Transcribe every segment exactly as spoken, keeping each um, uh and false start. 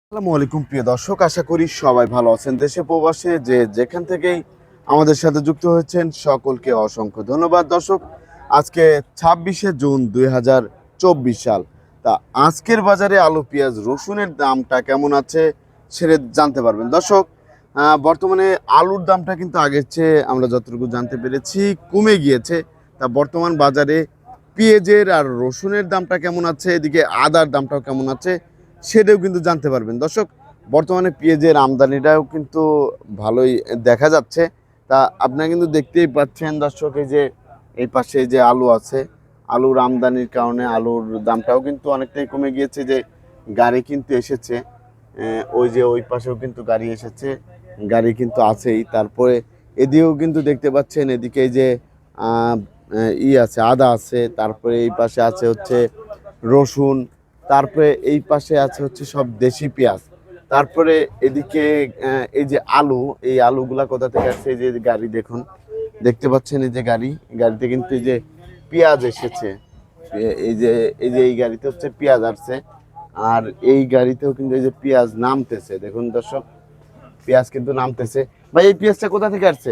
আসসালামু আলাইকুম প্রিয় দর্শক, আশা করি সবাই ভালো আছেন। দেশে প্রবাসে যে যেখান থেকেই আমাদের সাথে যুক্ত হয়েছেন সকলকে অসংখ্য ধন্যবাদ। দর্শক, আজকে ছাব্বিশে জুন দুই হাজার চব্বিশ সাল। তা আজকের বাজারে আলু পেঁয়াজ রসুনের দামটা কেমন আছে সেটা জানতে পারবেন। দর্শক, আহ, বর্তমানে আলুর দামটা কিন্তু আগের চেয়ে আমরা যতটুকু জানতে পেরেছি কমে গিয়েছে। তা বর্তমান বাজারে পেঁয়াজের আর রসুনের দামটা কেমন আছে, এদিকে আদার দামটাও কেমন আছে সেটাও কিন্তু জানতে পারবেন। দর্শক, বর্তমানে পেঁয়াজের আমদানিটাও কিন্তু ভালোই দেখা যাচ্ছে। তা আপনারা কিন্তু দেখতেই পাচ্ছেন দর্শক, এই যে এই পাশে যে আলু আছে, আলুর আমদানির কারণে আলুর দামটাও কিন্তু অনেকটাই কমে গিয়েছে। যে গাড়ি কিন্তু এসেছে, আহ, ওই যে ওই পাশেও কিন্তু গাড়ি এসেছে, গাড়ি কিন্তু আছেই। তারপরে এদিকেও কিন্তু দেখতে পাচ্ছেন, এদিকে এই যে আহ, ই আছে, আদা আছে, তারপরে এই পাশে আছে হচ্ছে রসুন, তারপরে এই পাশে আছে হচ্ছে সব দেশি পেঁয়াজ। তারপরে এদিকে আহ, এই যে আলু, এই আলুগুলা কোথা থেকে আসছে, এই যে গাড়ি দেখুন, দেখতে পাচ্ছেন এই যে গাড়ি, গাড়িতে কিন্তু এই যে পেঁয়াজ এসেছে। এ- এই যে এই যে এই গাড়িতে হচ্ছে পেঁয়াজ আসছে, আর এই গাড়িতেও কিন্তু এই যে পেঁয়াজ নামতেছে। দেখুন দর্শক, পেঁয়াজ কিন্তু নামতেছে। ভাই, এই পেঁয়াজটা কোথা থেকে আসছে?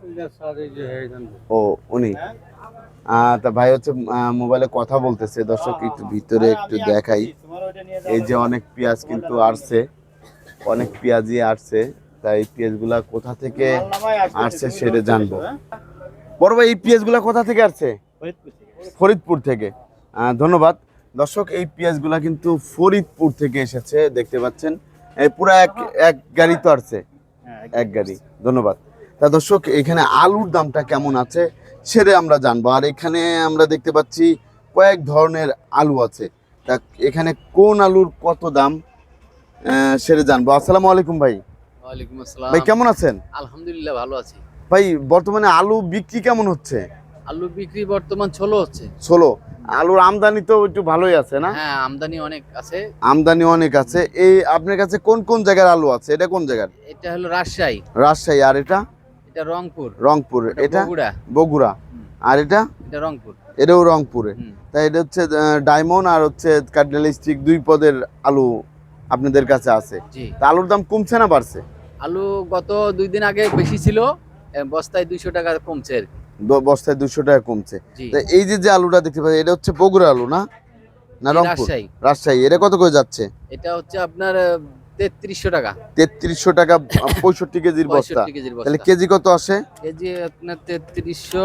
ও, উনি আহ তা ভাই হচ্ছে আহ, মোবাইলে কথা বলতেছে। দর্শক, একটু ভিতরে একটু দেখাই। এই যে অনেক পেঁয়াজ কিন্তু আসছে, অনেক পেঁয়াজই আসছে। তাই পেঁয়াজগুলা কোথা থেকে আসছে সেটা জানবো। বড় ভাই, এই পেঁয়াজগুলা কোথা থেকে আসছে? ফরিদপুর থেকে। আহ, ধন্যবাদ। দর্শক, এই পেঁয়াজগুলা কিন্তু ফরিদপুর থেকে এসেছে, দেখতে পাচ্ছেন। এই পুরো এক এক গাড়ি তো আসছে, এক গাড়ি। ধন্যবাদ। তা দর্শক, এখানে আলুর দামটা কেমন আছে সেটা আমরা জানবো। আর এখানে আমরা দেখতে পাচ্ছি কয়েক ধরনের আলু আছে। তা এখানে কোন আলুর কত দাম আহ, সেটা জানবো। আসসালামু আলাইকুম ভাই। ওয়ালাইকুম ভাই আসসালাম। কেমন আছেন? আলহামদুলিল্লাহ ভালো আছি। ভাই, বর্তমানে আলু বিক্রি কেমন হচ্ছে? আলু বিক্রি বর্তমান ষোলো হচ্ছে। ষোলো। আলুর আমদানি তো একটু ভালোই আছে না? হ্যাঁ, আমদানি অনেক আছে। আমদানি অনেক আছে। এই আপনার কাছে কোন কোন জায়গার আলু আছে? এটা কোন জায়গার? এটা হলো রাজশাহী, রাজশাহী। আর এটা? এটা রংপুর, রংপুর। ওটা এটা বগুড়া। বগুড়া। হুম, আর এটা? এটা রংপুর। এটাও রংপুরে। হুম, তাই এটা হচ্ছে ডায়মন্ড আর হচ্ছে কার্ডিনাল স্টিক, দুই পদের আলু আপনাদের কাছে আছে। জি। তা আলুর দাম কমছে না বাড়ছে? আলু গত দুই দিন আগে বেশি ছিল, এ, বস্তায় দুইশো টাকা কমছে আর কি। দ- বস্তায় দুশো টাকা কমছে। জি। তা এই যে যে আলুটা দেখতে পাচ্ছি, এটা হচ্ছে বগুড়া আলু না, না জি, রংপুর? রাজশাহী। রাজশাহী। এটা কত করে যাচ্ছে? এটা হচ্ছে আপনার তেত্রিশশো টাকা, তেত্রিশশো টাকা। পঁয়ষট্টি কেজির বস্তা। পঁয়ষট্টি কেজির তাহলে বস্তা। কেজি কত আসে? কেজি আপনার তেত্রিশশো,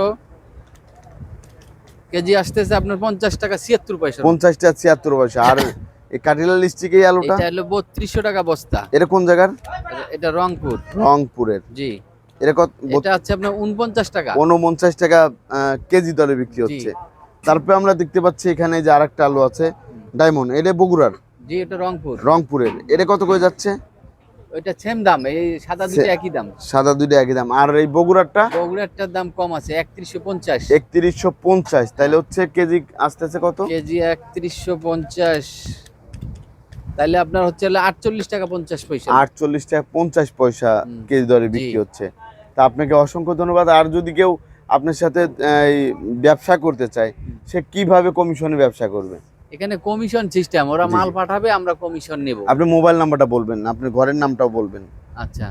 কেজি আসতেছে আপনার পঞ্চাশ টাকা ছিয়াত্তর পয়সা। পঞ্চাশ টাকা ছিয়াত্তর পয়সা। আর এই কার্ডিনাল স্টিক এই আলুটা? এটা হলো বত্রিশশো টাকা বস্তা। এটা কোন জায়গার? এটা- এটা রংপুর। রংপুরের। জি। এটা কত? এটা হচ্ছে আপনার উনপঞ্চাশ টাকা। উনপঞ্চাশ টাকা আহ, কেজি দরে বিক্রি জি। হচ্ছে। তারপরে আমরা দেখতে পাচ্ছি এখানে যে আরেকটা আলু আছে, ডায়মন্ড। এটা বগুড়ার? জি, এটা রংপুর। রংপুরের। এটা কত করে যাচ্ছে? ওইটা সেম দাম, এই সাদা দুটো সে- একই দাম। সাদা দুইটা একই দাম। আর এই বগুড়ারটা? বগুড়াটার দাম কম আছে, একত্রিশশো পঞ্চাশ। একত্রিশশো পঞ্চাশ। তাহলে হচ্ছে কেজি আসতেছে কত? কেজি একত্রিশশো পঞ্চাশ, তাহলে আপনার হচ্ছে হলো আটচল্লিশ টাকা পঞ্চাশ পয়সা। আটচল্লিশ টাকা পঞ্চাশ পয়সা হুম। কেজি দরে জি। বিক্রি হচ্ছে। তা আপনাকে অসংখ্য ধন্যবাদ। আর যদি কেউ আপনার সাথে আহ, এই ব্যবসা করতে চায়, সে কিভাবে কমিশনে ব্যবসা করবে? এখানে কমিশন সিস্টেম, ওরা জি, মাল জি। পাঠাবে, আমরা কমিশন নেব। আপনি মোবাইল নাম্বারটা বলবেন, আপনার ঘরের নামটাও বলবেন। আচ্ছা।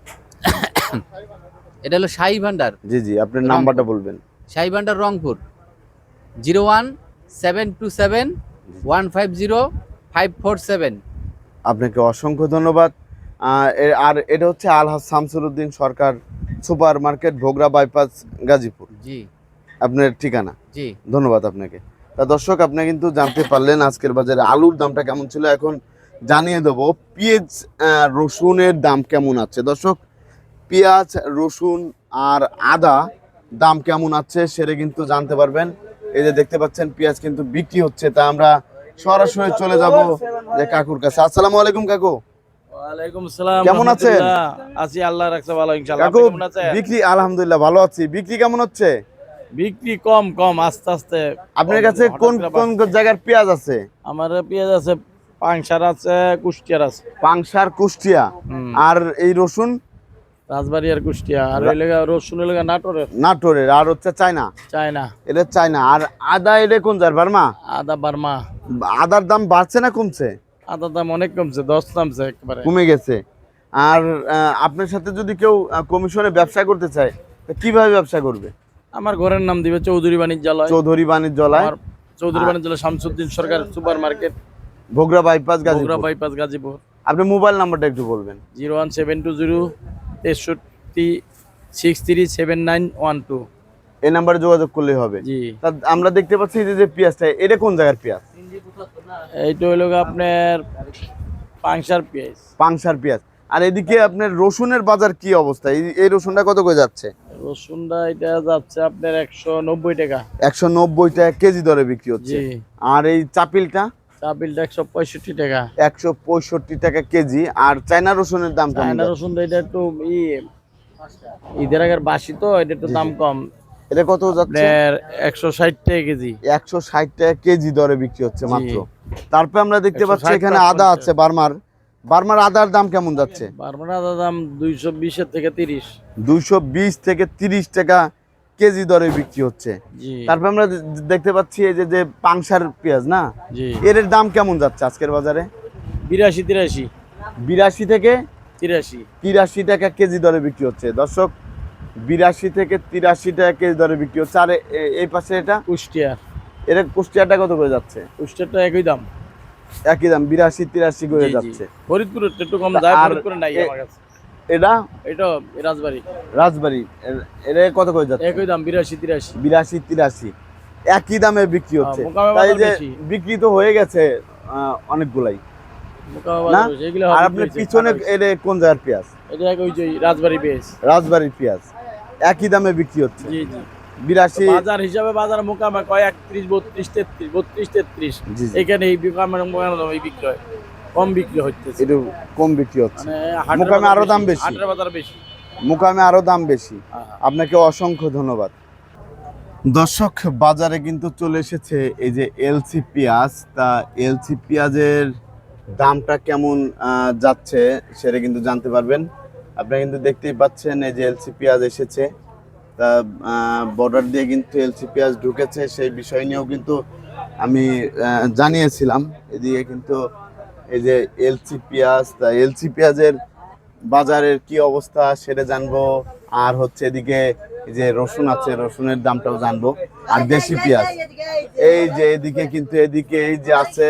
এটা হলো শাহী ভান্ডার। জি, জি, আপনার রংপুর। নাম্বারটা বলবেন। Shahi Bhandar Rangpur, zero one seven two seven one five zero five four seven. আপনাকে অসংখ্য ধন্যবাদ। আহ, এ- আর এটা হচ্ছে Alhaj Shamsur Uddin Sarkar super market, Bhogra bypass, Gazipur জি, আপনার ঠিকানা। জি। ধন্যবাদ আপনাকে। তা দর্শক, আপনি কিন্তু জানতে পারলেন আজকের বাজারে আলুর দামটা কেমন ছিল। এখন জানিয়ে দেবো পেঁয়াজ আহ, রসুনের দাম কেমন আছে। দর্শক, পেঁয়াজ রসুন আর আদা দাম কেমন আছে সেটা কিন্তু জানতে পারবেন। এই যে দেখতে পাচ্ছেন পেঁয়াজ কিন্তু বিক্রি হচ্ছে। তা আমরা সরাসরি চলে যাব যে কাকুর কাছে। আসসালামু আলাইকুম কাকু। ওয়ালাইকুম আসসালাম। কেমন আছেন? রহমতুল্লাহ। আছি, আল্লাহ রাখছে ভালো, ইনশাআল্লাহ। কাকু, আপনি কেমন আছেন? বিক্রি আলহামদুলিল্লাহ ভালো আছি। বিক্রি কেমন হচ্ছে? বিক্রি কম কম, আস্তে আস্তে। আপনার কম, কাছে হঠাৎ কোন করে কোন বাড়ছে। জায়গার পেঁয়াজ আছে? আমার পেঁয়াজ আছে, পাংশার আছে, কুষ্টিয়ার আছে। পাংশার, কুষ্টিয়া। হুম। আর এই রসুন? রাজবাড়ি আর কুষ্টিয়া। আর ওই লেগা রসুন লেগা নাটোরের। নাটোরের। আর হচ্ছে চায়না? চায়না। এটা চায়না। আর আদা এটা কোন জায়গার? বার্মা? আদা বার্মা। আদার দাম বাড়ছে না কমছে? আদার দাম অনেক কমছে, দশ নামছে একবারে। কমে গেছে। আর আহ, আপনার সাথে যদি কেউ আহ, কমিশনে ব্যবসা করতে চায় তা কিভাবে ব্যবসা করবে? আমার ঘরের নাম দিবে চৌধুরী বাণিজ্যালয়। চৌধুরী বাণিজ্যালয়, আমার Chowdhury Banijyaloy Shamsuddin Sarkar super market, Bhogra bypass, Bogura Gazipur. Bypass, Gazipur. আপনি মোবাইল নাম্বারটা একটু বলবেন। Zero one seven two zero তেষট্টি six three seven nine one two. এই নাম্বারে যোগাযোগ করলেই হবে। জি, তা আমরা দেখতে পাচ্ছি যে যে পেঁয়াজটা, এটা কোন জায়গার পেঁয়াজ? এইটা হইল গিয়ে আপনার পাংশার পেঁয়াজ। পাংশার পেঁয়াজ। আর এদিকে আপনার রসুনের বাজার কি অবস্থা? এই- এই রসুনটা কত করে যাচ্ছে? রসুনটা এটা যাচ্ছে আপনার একশো নব্বই টাকা। একশো নব্বই টাকা কেজি দরে বিক্রি হচ্ছে। জি, আর এই চাপিলটা চাপিলটা একশো পঁয়ষট্টি টাকা। একশো পঁয়ষট্টি টাকা কেজি। আর চায়না রসুনের দাম কেমন চায়না যাচ্ছে? রসুনটা এটা একটু ই ঈদের আগের বাসি তো, এটা একটু দাম কম। এটা কত যাচ্ছে? আপনার একশো ষাট টাকা কেজি। একশো ষাট টাকা কেজি দরে বিক্রি হচ্ছে জি। মাত্র। তারপরে আমরা দেখতে পাচ্ছি একশো ষাট এখানে টাকা আদা পঞ্চাশ। আছে, বার্মার। বার্মার আদার দাম কেমন যাচ্ছে? বারবার আদার দাম দুইশো বিশের থেকে তিরিশ। দুইশো বিশ থেকে তিরিশ টাকা কেজি দরে বিক্রি হচ্ছে। জি, তারপরে আমরা দে- দেখতে পাচ্ছি এই যে যে পাংশার পেঁয়াজ না, জি, এর দাম কেমন যাচ্ছে আজকের বাজারে? বিরাশি তিরাশি বিরাশি থেকে তিরাশি। তিরাশি টাকা কেজি দরে বিক্রি হচ্ছে। দর্শক, বিরাশি থেকে তিরাশি টাকা কেজি দরে বিক্রি হচ্ছে। আর এ- এ- এই পাশে এটা কুষ্টিয়ার, এটা কুষ্টিয়াটা কত করে যাচ্ছে? কুষ্টিয়ারটা একই দাম। একই দাম, বিরাশি তিরাশি করে জি, জি। যাচ্ছে। ফরিদপুরের একটু কম যায়, আর ফরিদপুরে নাই এ- আমার কাছে। এটা এটা রাজবাড়ি রাজবাড়ি, এর- এটা কত করে যাচ্ছে? একই দাম, বিরাশি তিরাশি। বিরাশি তিরাশি একই দামে বিক্রি হচ্ছে। হ্যাঁ, মোকামে তাই বাজার যে বেশি। বিক্রি তো হয়ে গেছে আহ, অনেকগুলাই মোকামে না? বাজার বেশি, এগুলো আর হবে আপনার বেশি, পিছনে ভালো হয়েছে। এটা কোন জায়গার পেঁয়াজ? এটা এক ওই যে রাজবাড়ি পেঁয়াজ। রাজবাড়ির পেঁয়াজ, একই দামে বিক্রি হচ্ছে। জি, জি। বিরাশি। বাজার হিসাবে বাজার মোকামে কয় একত্রিশ বত্রিশ তেত্রিশ বত্রিশ তেত্রিশ। জি, জি। এখানে এই মোকামে মোকামে দাম এই বিক্রি হয়, কম বিক্রি হচ্ছে। একটু কম বিক্রি হচ্ছে। মানে হাটের মোকামে বাজার আরো দাম বেশি। হাটের বাজার বেশি। মুকামে আরো দাম বেশি। হ্যাঁ। আপনাকে অসংখ্য ধন্যবাদ। দর্শক, বাজারে কিন্তু চলে এসেছে এই যে এলসি পেঁয়াজ। তা এলসি পেঁয়াজের দামটা কেমন আহ, যাচ্ছে সেটা কিন্তু জানতে পারবেন। আপনারা কিন্তু দেখতেই পাচ্ছেন এই যে এলসি পেঁয়াজ এসেছে। তা বর্ডার দিয়ে কিন্তু এলসি পেঁয়াজ ঢুকেছে, সেই বিষয় নিয়েও কিন্তু আমি আহ, জানিয়েছিলাম। এদিকে কিন্তু এই যে এলসি পেঁয়াজ, তা এলসি পেঁয়াজের বাজারের কি অবস্থা সেটা জানবো। আর হচ্ছে এদিকে এই যে রসুন আছে, রসুনের দামটাও জানবো। আর দেশি পেঁয়াজ এই যে এদিকে কিন্তু এদিকে এই যে আছে,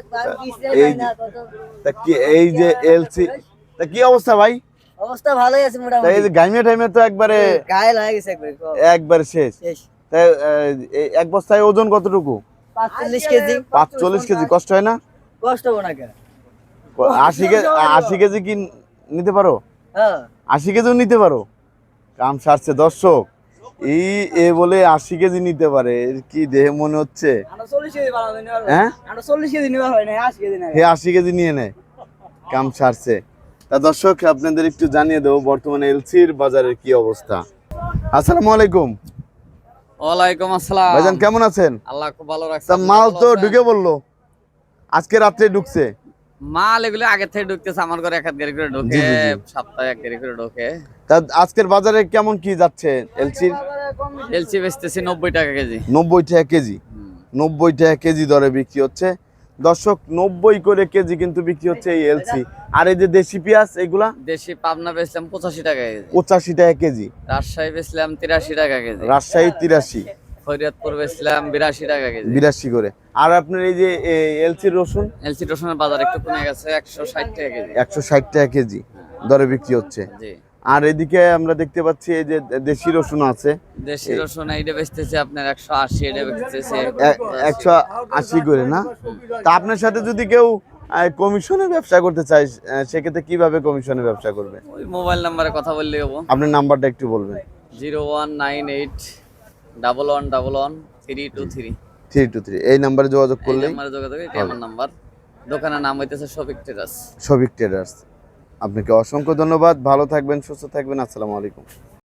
এই যে- তা কি এই যে এলসি, তা কি অবস্থা ভাই? অবস্থা ভালোই আছে তা মোটামুটি। এই যে গাইমে টাইমে তো একবারে গায়ে লাগে গেছে একবার একবার শেষ। শেষ। তাই আহ, এই এক বস্তায় ওজন কতটুকু? পাঁচচল্লিশ কেজি। পাঁচচল্লিশ কেজি। কষ্ট হয় না? কষ্ট হবো না কেন? আশি কেজি, আশি কেজি কি নিতে পারো? হ্যাঁ। আশি কেজিও নিতে পারো? কাম সারছে দর্শক। এই এ বলে আশি কেজি নিতে পারে, এর কি দেহে মনে হচ্ছে? আমরা চল্লিশ কেজি বানাবো নিবার হয়। হ্যাঁ, আমরা চল্লিশ কেজি নিবার হয় না, আশি কেজি নেয়। হে আশি কেজি নিয়ে নেয়। কাম সারছে। তা দর্শক, আপনাদের একটু জানিয়ে দেবো বর্তমানে এলসির বাজারের কি অবস্থা। আসসালামু আলাইকুম ওয়ালাইকুম আসসালাম। ভাইজান, কেমন আছেন? আল্লাহ খুব ভালো রাখছে। তা আপনি মাল ভালো তো আছেন? ঢুকে বললো, আজকে রাত্রে ঢুকছে। মাল এগুলো আগে থেকে ঢুকতেছে, আমার ঘরে এক হাত গাড়ি করে ঢোকে, জি, জি, জি। সপ্তাহে এক গাড়ি করে ঢোকে। তা আজকের বাজারে কেমন কি যাচ্ছে এলসির? এলসি বেচতেছি নব্বই টাকা কেজি। নব্বই টাকা কেজি। নব্বই টাকা কেজি দরে বিক্রি হচ্ছে। দর্শক, নব্বই করে কেজি কিন্তু বিক্রি হচ্ছে এই এলসি। আর এই যে দেশি পেঁয়াজ এগুলা দেশি পাবনা বেচলাম পঁচাশি টাকা কেজি, পঁচাশি টাকা কেজি। রাজশাহী বেচলাম তিরাশি টাকা কেজি, রাজশাহী তিরাশি, ফরিদপুর বেচলাম বিরাশি টাকা কেজি। বিরাশি করে। আর আপনার এই যে এলসির রসুন এলসি রসুনের বাজার একটু কমে গেছে, একশো ষাট টাকা কেজি। একশো ষাট টাকা কেজি দরে বিক্রি হচ্ছে। জি। আর এদিকে আমরা দেখতে পাচ্ছি এই যে দেশি রসুন আছে, দেশি রসুন এইটা বেচতেছে আপনার একশো আশি, এটা বেচতেছে এ- একশো আশি করে না? তা আপনার সাথে যদি কেউ আহ, কমিশনে ব্যবসা করতে চায়, আহ, সেক্ষেত্রে কিভাবে কমিশনে ব্যবসা করবে? ওই মোবাইল নাম্বারে কথা বললে হবো, আপনার নাম্বারটা একটু বলবেন। Zero one nine eight double one double one three two three. Three two three এই নাম্বারে যোগাযোগ এই করলেই নাম্বারে যোগাযোগ, এটাই আমার নাম্বার। দোকানের নাম হইতেছে শফিক টেরাস। সবিক ট্রেডার্স। আপনাকে অসংখ্য ধন্যবাদ। ভালো থাকবেন, সুস্থ থাকবেন। আসসালামু আলাইকুম।